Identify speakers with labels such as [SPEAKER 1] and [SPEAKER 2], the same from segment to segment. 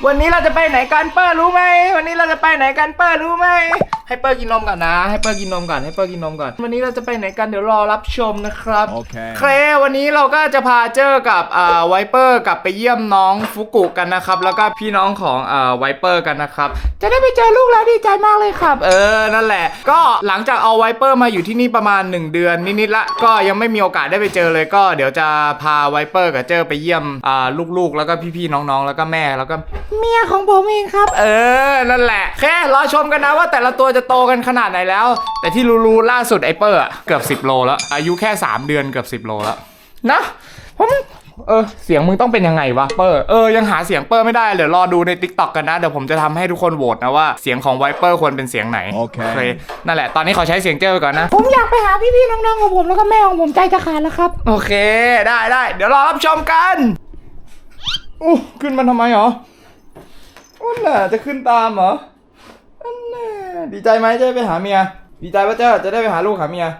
[SPEAKER 1] วันนี้เราจะไปไหนกันเปิ้ลรู้ไหมวันนี้เราจะไปไหนกันเปิ้ลรู้ไหมให้เปิ้ลกินนมก่อนนะให้เปิ้ลกินนมก่อนวันนี้เราจะไปไหนกันเดี๋ยวรอรับชมนะครับโอเควันนี้เราก็จะพาเจอกับไวเปอร์กลับไปเยี่ยมน้องฟุกุกันนะครับแล้วก็พี่น้องของไวเปอร์กันนะครับจะได้ไปเจอลูกแล้วดีใจมากเลยครับนั่นแหละก็หลังจากเอาไวเปอร์มาอยู่ที่นี่ประมาณ1 เดือนนิดๆละก็ยังไม่มีโอกาสได้ไปเจอเลยก็เดี๋ยวจะพาไวเปอร์กับเจอไปเยี่ยมลูกๆแล้วก็พี่ๆน้องๆแล้วก็แม่แล้วก็เมียของผมเองครับนั่นแหละแค่รอชมกันนะว่าแต่ละตัวจะโตกันขนาดไหนแล้วแต่ที่รู้ล่าสุดไอเปอร์เกือบ10 โลแล้วอายุแค่3 เดือนเกือบ10 โลแล้วนะผมเสียงมึงต้องเป็นยังไงวะเปอร์ยังหาเสียงเปอร์ไม่ได้เดี๋ยวรอดูใน TikTok กันนะเดี๋ยวผมจะทำให้ทุกคนโหวตนะว่าเสียงของไวเปอร์ควรเป็นเสียงไหนโอเคนั่นแหละตอนนี้ขอใช้เสียงเจ้าก่อนนะผมอยากไปหาพี่ๆน้องๆของผมแล้วก็แม่ของผมใจจะขาดแล้วครับโอเคได้เดี๋ยวรอรับชมกันขึ้นมาทำไมหรอน่ะจะขึ้นตามเหรอน่ะดีใจไหมจะได้ไปหาเมียดีใจว่าเจ้าจะได้ไปหาลูกหาเมีย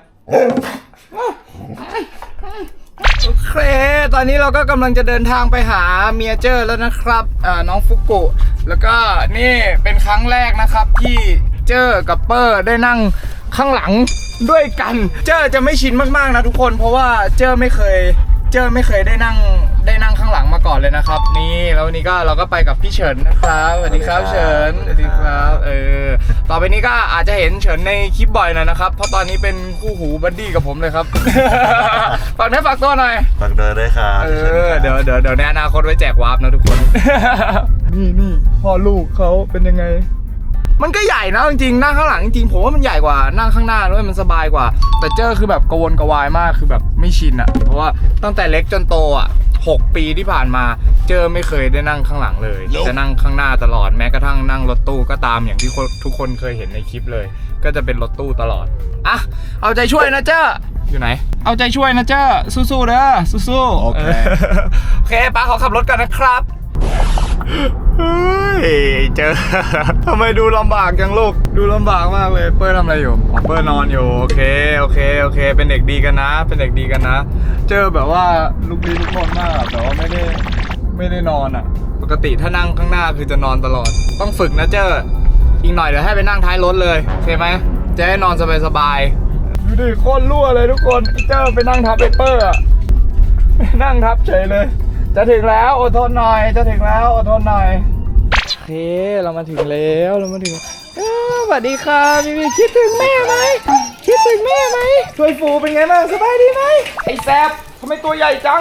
[SPEAKER 1] โอเคตอนนี้เราก็กำลังจะเดินทางไปหาเมียเจ้าแล้วนะครับน้องฟุกุแล้วก็นี่เป็นครั้งแรกนะครับที่เจ้ากับเปอร์ได้นั่งข้างหลังด้วยกันเจ้าจะไม่ชินมากๆนะทุกคนเพราะว่าเจ้าไม่เคยได้นั่งข้างหลังมาก่อนเลยนะครับนี่แล้ววันนี้ก็เราก็ไปกับพี่เฉินนะครับสวัสดีครับเฉินสวัสดีครับต่อไปนี้ก็อาจจะเห็นเฉินในคลิปบ่อยหน่อยนะครับเพราะตอนนี้เป็นคู่หูบัดดี้กับผมเลยครับ ฝากเนื้อฝากตัวหน่อย
[SPEAKER 2] ฝากเดินด้วยครับ
[SPEAKER 1] เดี๋ยวในอนาคตไว้แจกวาร์ปนะทุกคน นี่พ่อลูกเขาเป็นยังไงมันก็ใหญ่นะจริงๆนั่งข้างหลังจริงๆผมว่ามันใหญ่กว่านั่งข้างหน้าด้วยมันสบายกว่าแต่เจ้าคือแบบกระวนกระวายมากคือแบบไม่ชินอ่ะเพราะว่าตั้งแต่เล็กจนโต6 ปีที่ผ่านมาเจ้าไม่เคยได้นั่งข้างหลังเลยจะนั่งข้างหน้าตลอดแม้กระทั่งนั่งรถตู้ก็ตามอย่างที่ทุกคนเคยเห็นในคลิปเลยก็จะเป็นรถตู้ตลอดเอาใจช่วยนะเจ้าอยู่ไหนเอาใจช่วยนะเจ้าสู้ๆเด้อสู้ๆโอเคป้าขอขับรถกันนะครับเฮ้ยเจอทำไมดูลำบากจังลูกดูลำบากมากเลยเปิ้ลทำอะไรอยู่เปิ้ลนอนอยู่โอเคเป็นเด็กดีกันนะเจอแบบว่าลูกดีทุกคนมากแต่ว่าไม่ได้นอนปกติถ้านั่งข้างหน้าคือจะนอนตลอดต้องฝึกนะเจ้อีกหน่อยเดี๋ยวให้ไปนั่งท้ายรถเลยโอเคไหมจะให้นอนสบายดูดิโคตรรั่วเลยทุกคนเจ้ไปนั่งทับเปอร์นั่งทับเฉยเลยจะถึงแล้วอดทนหน่อยจะถึงแล้วอดทนหน่อยโอเคเรามาถึงแล้วสวัสดีครับพี่คิดถึงแม่ไหมช่วยฟูเป็นไงบ้างสบายดีไหมไอ้แซบทำไมตัวใหญ่จัง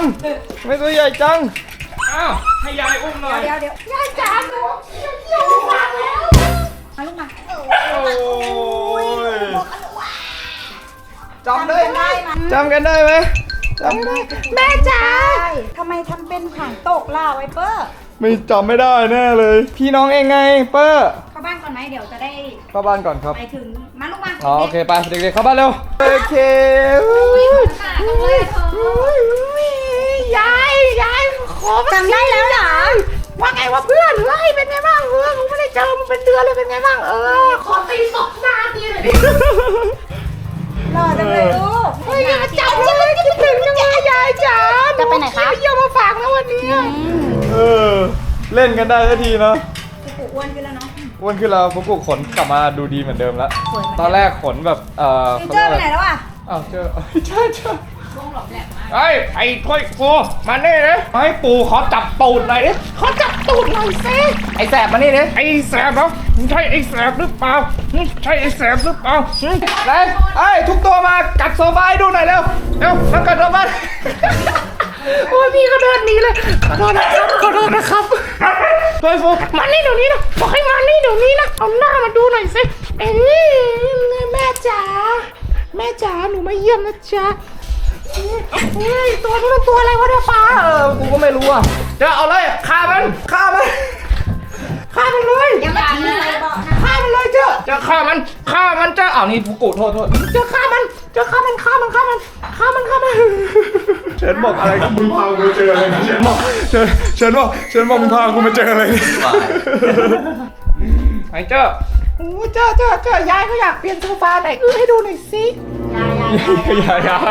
[SPEAKER 1] อ้าวให้ยายอุ้มหน่อย
[SPEAKER 3] เดี๋ยวยายจ๋าหนูเกี่ยววางแล้วมาลูกมา
[SPEAKER 1] โอ้ยจำได้ไหมจำกันได้ไหม
[SPEAKER 3] แม่จ๋าทำไมทำเป็นหางตกล่ะไวเปอร์
[SPEAKER 1] ไม่จำไม่ได้แน่เลยพี่น้องเองไงเปอร์
[SPEAKER 3] เข้าบ้านก่อนไหมเดี๋ยวจะได้
[SPEAKER 1] เข้าบ้านก่อนครับ
[SPEAKER 3] ไปถึงมาลูกมา
[SPEAKER 1] โอเคไปเด็กๆเข้าบ้านเร็วโอเคยายขอ
[SPEAKER 3] จำได้แล้วเหรอ
[SPEAKER 1] ว่าไงว่าเพื่อนเป็นไงบ้างผมไม่ได้เจอมันเป็นเดือนเลยเป็นไงบ้างขอตีตบหน้าทีหน่อยดิ
[SPEAKER 3] รอจังเลยลูก
[SPEAKER 1] อย่าจับฉันเลยคิดถึงจังเลยยายจ๋า
[SPEAKER 3] จะไปไหนคะ
[SPEAKER 1] เยี่ยมมาฝากนะวันนี้เล่นกันได้ทันทีเนาะ
[SPEAKER 3] ฟุกุอ้วนขึ้นแล้วเนาะ
[SPEAKER 1] อ้วนขึ้นแล้วฟุกุขนกลับมาดูดีเหมือนเดิมแล้วตอนแรกขนแบบ
[SPEAKER 3] เจอไปไหนแล้ว
[SPEAKER 1] เจอใช่ไอ้ถ้วยฟูมานี่เลยให้ปู่ขอจับตูดหน่อยดิซิไอ้แสบมานี่ดิไอ้แสบเหรอใช่ไอ้แสบหรือเปล่าเลยทุกตัวมากัดโซฟาให้ดูหน่อยเร็วมากัดโซฟาโอ้ยพี่ก็เดินหนีเลยขอโทษนะครับถ้วยฟูมานี่เดี๋ยวนี้นะบอกให้มานี่เดี๋ยวนี้นะเอาหน้ามาดูหน่อยสิแม่จ๋าหนูมาเยี่ยมนะจ๊ะตัวนี้มันตัวอะไรวะเนี่ยป้ากูก็ไม่รู้จะเอาเลยฆ่ามันเลย
[SPEAKER 3] ยังไม่ทิ้งอะไรบอกนะ
[SPEAKER 1] ฆ่ามันเลยจะฆ่ามันอ้าวนี่ฟุกุโทษจะฆ่ามันเฉินบอกอะไรกับมึงพากูเจออะไรนะเฉินบอกมึงพากูมาเจออะไรไอ้เจ้ายายเขาอยากเปลี่ยนโซฟาไหนให้ดูหน่อยสิยาย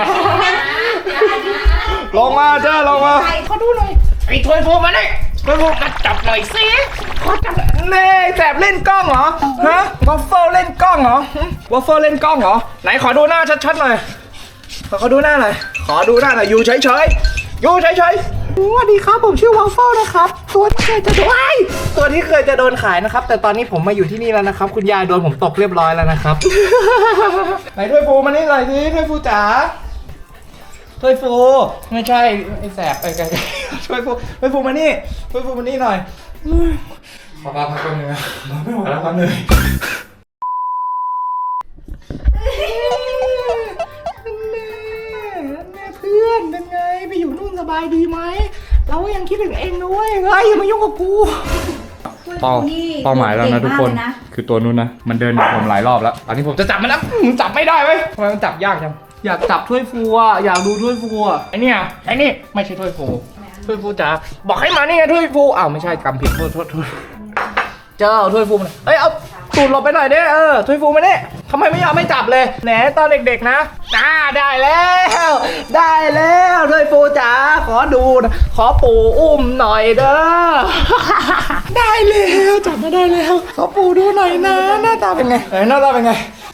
[SPEAKER 1] ลงมาเขาดูหน่อยไอ้ถ้วยฟูมาเลยถ้วยฟูกัดจับหน่อยสิขอจับเน่แสบเล่นกล้องเหรอฮะวอฟเฟิลเล่นกล้องเหรอวอฟเฟิลเล่นกล้องเหรอไหนขอดูหน้าชัดๆหน่อยขอดูหน้าหน่อยขอดูหน้าหน่อยอยู่เฉยๆอยู่เฉยๆสวัสดีครับผมชื่อวอฟเฟิลนะครับตัวที่เคยจะโดนตัวที่เคยจะโดนขายนะครับแต่ตอนนี้ผมมาอยู่ที่นี่แล้วนะครับคุณยายโดนผมตกเรียบร้อยแล้วนะครับ ไหนถ้วยฟูมานี่หน่อยสิถ้วยฟูจ๋าถ้วยฟูไม่ใช่ไอ้แสบไอ้ไก่ถ้วยฟูมานี่ถ้วยฟูมานี่หน่อยขอพักก่อนหนึ่งนะไม่ไหวแล้วครับเหนื่อยเพื่อนเป็นไงไปอยู่นู่นสบายดีไหมเรายังคิดถึงเองด้วยเฮ้ยอย่ามายุ่งกับกูเป้าหมายแล้วนะทุกคนคือตัวนู้นนะมันเดินผมหลายรอบแล้วตอนนี้ผมจะจับมันแล้วจับไม่ได้เว้ยทำไมมันจับยากจังอยากจับถ้วยฟูอ่ะอยากดูถ้วยฟูอ่ะไอเนี่ยไอนี่ไม่ใช่ถ้วยฟูถ้วยฟูจ๋าบอกให้มานี่ไงถ้วยฟูอ้าวไม่ใช่กำผิดโทษเจ้าถ้วยฟูมันเอ้ยเอาตูดหลบไปหน่อยดิถ้วยฟูมาเนี่ยทำไมไม่ยอมไม่จับเลยแหนตอนเด็กๆนะได้แล้วถ้วยฟูจ๋าขอดูขอปู่อุ้มหน่อยเด้อ ได้แล้วจับมาได้แล้วขอปู่ดูหน่อยนะหน้าตาเป็นไงหน้าตาเป็นไง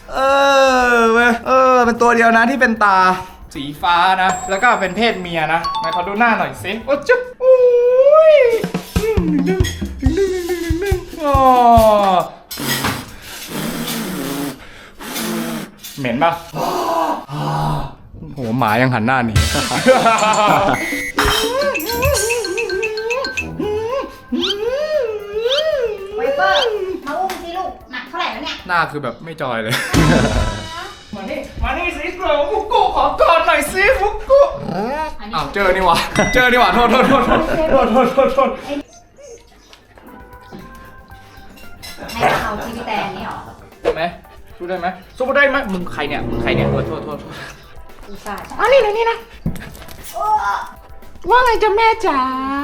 [SPEAKER 1] เป็นตัวเดียวนะที่เป็นตาสีฟ้านะแล้วก็เป็นเพศเมียนะไหนขอดูหน้าหน่อยสิโอ้จุ๊บอุ้ยอ๋อเหม็นปะโหหมายังหันหน้าหนี
[SPEAKER 3] ไวเปอร์มาอุ้มสิลูกหนักเท่าไหร่แล้วเนี่ย
[SPEAKER 1] หน้าคือแบบไม่จอยเลย มานี่สิโกฟุกุขอกอดหน่อยสิฟุกุอ้าวเจอนี่หว่าโทษ
[SPEAKER 3] ให้เขาที่พี่แตนนี่หรอ
[SPEAKER 1] ได้ไหมสู้ได้ไหมมึงใครเนี่ยโทษ
[SPEAKER 3] อุตส่าห์
[SPEAKER 1] อ๋อนี่นะว่าไงจ๊ะแม่จ๋า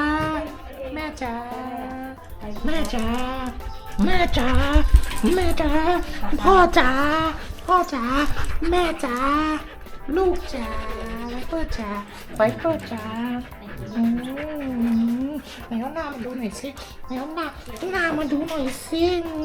[SPEAKER 1] พ่อจ๋าแม่จ๋าลูกจ๋าไวเปอร์จ๋าไหนเอาหน้ามาดูหน่อยสิหน้ามาดูหน่อยสิ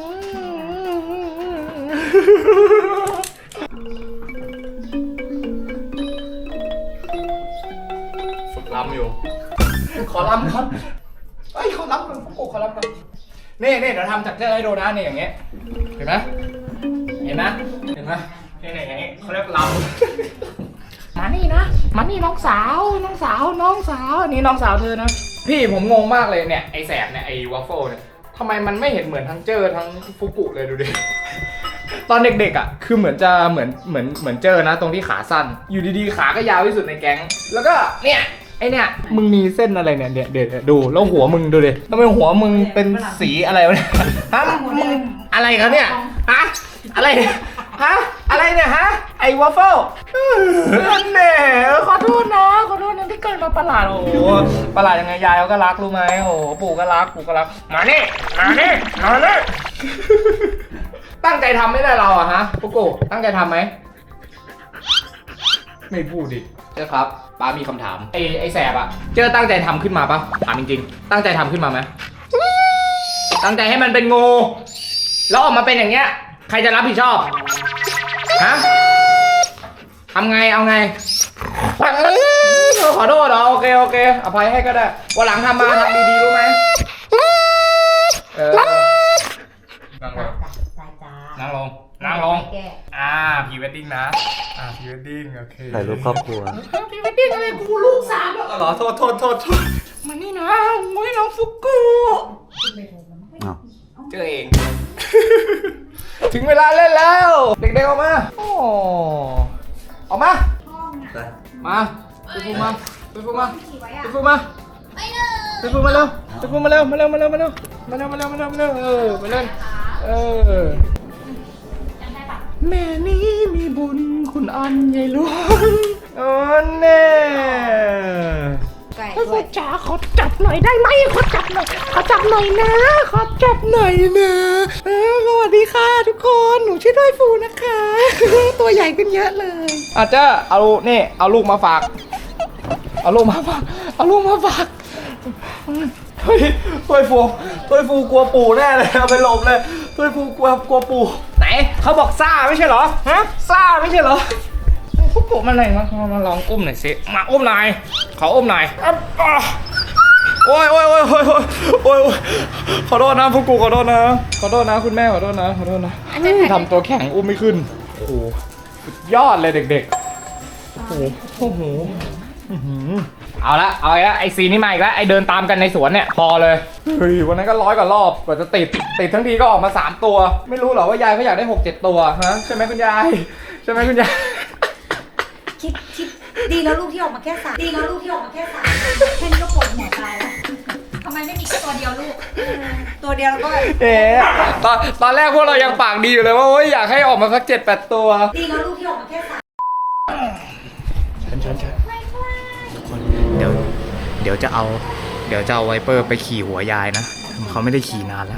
[SPEAKER 1] ฝึกลำอยู่ขอลำครับขอลำก่อนขอลำก่อนนี่เดี๋ยวทำจากเจ้าให้ดูนะนี่อย่างเงี้ยเห็นไหมนี่อย่างงี้เขาเรียกลำมานี่น้องสาวนี่น้องสาวเธอนะพี่ผมงงมากเลยเนี่ยไอแสบเนี่ยไอวัฟเฟิลเนี่ยทำไมมันไม่เห็นเหมือนทั้งเจอทั้งฟุกุเลยดูดิ ตอนเด็กๆอ่ะคือเหมือนเจอนะตรงที่ขาสั้นอยู่ดีๆขาก็ยาวที่สุดในแก๊งแล้วก็เนี่ยไอเนี่ยมึงมีเส้นอะไรเนี่ยเดี๋ยวดูแล้วหัวมึงดูดิทำไมหัวมึงเป็นสีอะไรวะเนี่ยฮะมึงอะไรครับเนี่ยฮะอะไรเนี่ยฮะไอวัฟเฟิลเนี่ยขอโทษนะที่เกิดมาประหลาดโอ้โหประหลาดยังไงยายเขาก็รักรู้ไหมโอ้โหปู่ก็รักมานี่ตั้งใจทำไม่ได้เราอะฮะปุ๊กโกตั้งใจทำไหมไม่พูดดิเจ้าครับป้ามีคำถามไอแสบอะเจ้าตั้งใจทำขึ้นมาปะถามจริงๆตั้งใจทำขึ้นมาไหมตั้งใจให้มันเป็นงูแล้วออกมาเป็นอย่างเงี้ยใครจะรับผิดชอบฮะทำไงเอาไงขอโทษเหรอโอเคอภัยให้ก็ได้วันหลังทำดีๆรู้ไหมนั่งลงพรีเวดดิ้งนะพรีเวดดิ้งโอเค
[SPEAKER 2] ถ่ายรูปครอบครัว
[SPEAKER 1] พรีเวดดิ้งอะไรกูลูกสามแล้วเหรอโทษมานี่นะโอ้ยน้องฟุกุเจอเอง ถึงเวลาเล่นแล้วเด็กๆออกมาออกมาไปฟูมาเร็วมาเล่นแม่นี้มีบุญคุณอันใหญ่หลวงแน่พ่อจ๋าขอจับหน่อยได้ไหมขอจับหน่อยนะสวัสดีค่ะทุกคนหนูชื่อด้วยฟูนะคะ ตัวใหญ่ขึ้นเยอะเลยอาจจะเอาลูกมาฝากเฮ้ยถ้วยฟูกลัวปู่แน่เลยเอาไปหลบเลยถ้วยฟูกลัวปู่ไหนเขาบอกซ่าไม่ใช่เหรอฮะซ่าไม่ใช่เหรอพวกปู่มันอะไรมาลองอุ้มหน่อยสิมาอุ้มหน่อยขออุ้มหน่อยโอ้ยขอโทษนะพวกกูขอโทษนะคุณแม่ขอโทษนะทำตัวแข็งอุ้มไม่ขึ้นโอ้โหสุดยอดเลยเด็กๆโอ้โหเอาละไอซีนี่มาอีกแล้วไอเดินตามกันในสวนเนี่ยพอเลยเฮ้ยวันนั้นก็100 กว่ารอบกว่าจะติดทั้งทีก็ออกมา3 ตัวไม่รู้หรอว่ายายเขาอยากได้6-7 ตัวฮะใช่ไหมคุณยาย
[SPEAKER 3] คิดดีแล้วลูกที่ออกมาแค่3แค่นี้ก็ปวดหัวตายแล้วทำไมไม่มีแค่ตัวเดียวลูกตัวเดียวแล้วก็
[SPEAKER 1] ตอนแรกพวกเรายังปากดีอยู่เลยว่าอยากให้ออกมาสัก7-8 ตัว
[SPEAKER 3] ดีแล้วลูกที่ออกมาแค่3
[SPEAKER 1] ฉันทุกคนเดี๋ยวจะเอาไวเปอร์ไปขี่หัวยายนะเขาไม่ได้ขี่นานแล้ว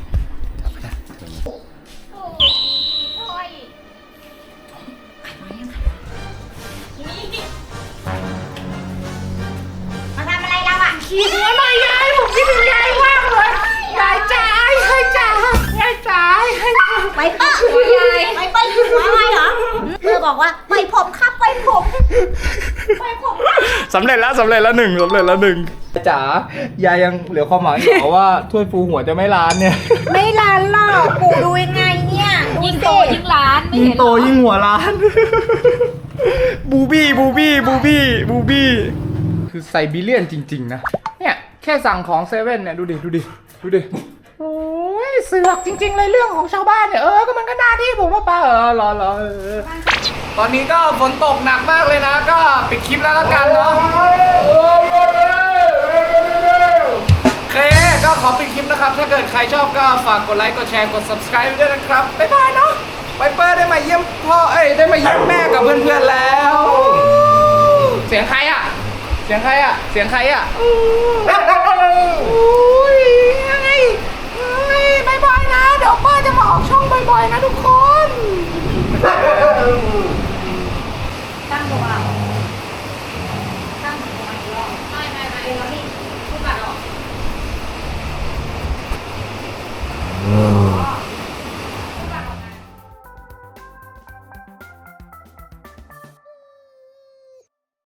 [SPEAKER 3] มาทำอะไรเราอ่ะขี่หัวหน่อยยายผมคิดถึงยายมากเลยยายจ๋าไปเปิ้ลหัวยายไปเปิ้ลหัวอะไรเหรอเพื่อบอกว่าไปผมครับไปผม
[SPEAKER 1] สำเร็จแล้วหนึ่งจ๋ายายยังเหลือความหวังอยู่ว่าถ้วยฟูหัวจะไม่ล้านเนี่ย
[SPEAKER 3] ไม่ล้านหรอกปู่ดูยังไงเนี่ยยิ่งโตยิ่งล้าน
[SPEAKER 1] ยิ่งโตยิ่งหัวล้านบูบี้คือไซบีเรียนจริงๆนะเนี่ยแค่สั่งของเซเว่นเนี่ยดูดิโอ้ยเสือกจริงๆเลยเรื่องของชาวบ้านเนี่ยก็มันก็หน้าที่ผมว่าป้ารอตอนนี้ก็ฝนตกหนักมากเลยนะก็ปิดคลิปแล้วละกันเนาะโอเคก็ขอปิดคลิปนะครับถ้าเกิดใครชอบก็ฝากกดไลค์กดแชร์กด subscribe ด้วยนะครับบ๊ายบายเนาะไวเปอร์ได้มาเยี่ยมได้มาเยี่ยมแม่กับเพื่อนๆแล้วเสียงใครอ่ะ